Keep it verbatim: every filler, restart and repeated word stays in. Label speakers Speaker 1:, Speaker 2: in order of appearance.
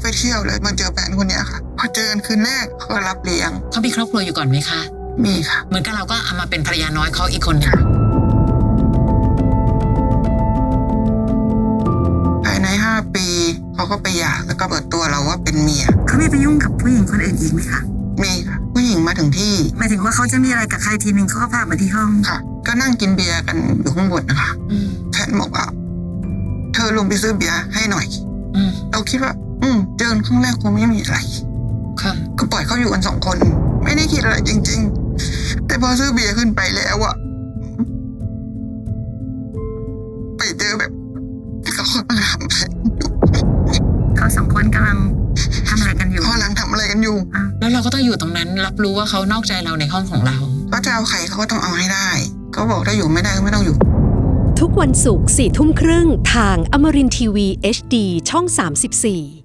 Speaker 1: ไปเที่ยวเลยมาเจอแฟนคนนี้ค่ะพอเจอกันคืนแรกเขาก็รับเลี้ยง
Speaker 2: เขามีครอบครัวอยู่ก่อนไหมคะ
Speaker 1: มีค่ะ
Speaker 2: เหมือนกับเราก็เอามาเป็นภรรยาน้อยเขาอีกคนหนึ่ง
Speaker 1: ภายในห้าปีเขาก็ไปหย่าแล้วก็เปิดตัวเราว่าเป็นเมีย
Speaker 3: เขาไม่ไปยุ่งกับผู้หญิงคนอื่นอีกไหมคะ
Speaker 1: มีค่ะผู้หญิงมาถึงที่
Speaker 3: หมายถึงว่าเขาจะมีอะไรกับใครทีนึงเขาก็พามาที่ห้อง
Speaker 1: ค่ะก็นั่งกินเบียร์กันอยู่ข้างบนนะคะแฟนบอกว่าเธอลงไปซื้อเบียร์ให้หน่อยเราคิดว่าอืมเจอครั้งแรกคงไม่มีอะไร
Speaker 2: ค่ะ
Speaker 1: ก็ปล่อยเขาอยู่กันสองคนไม่ได้คิดอะไรจริงๆแต่พอซื้อเบียร์ขึ้นไปแล้วอะไปเจอแบบเขากำลังทำอะไรอยู่
Speaker 3: เขาสองคนกำลังทำอะไรกันอยู่
Speaker 1: เขากำลังทำอะไรกันอยู่
Speaker 2: แล้วเราก็ต้องอยู่ตรงนั้นรับรู้ว่าเขานอกใจเราในห้องของเรา
Speaker 1: ก็จะเอาใครเขาก็ต้องเอาให้ได้เขาบอกถ้าอยู่ไม่ได้ก็ไม่ต้องอยู่
Speaker 4: ทุกวันศุกร์สี่ทุ่มครึ่งทางอมรินทร์ทีวี เอช ดี ช่องสามสิบสี่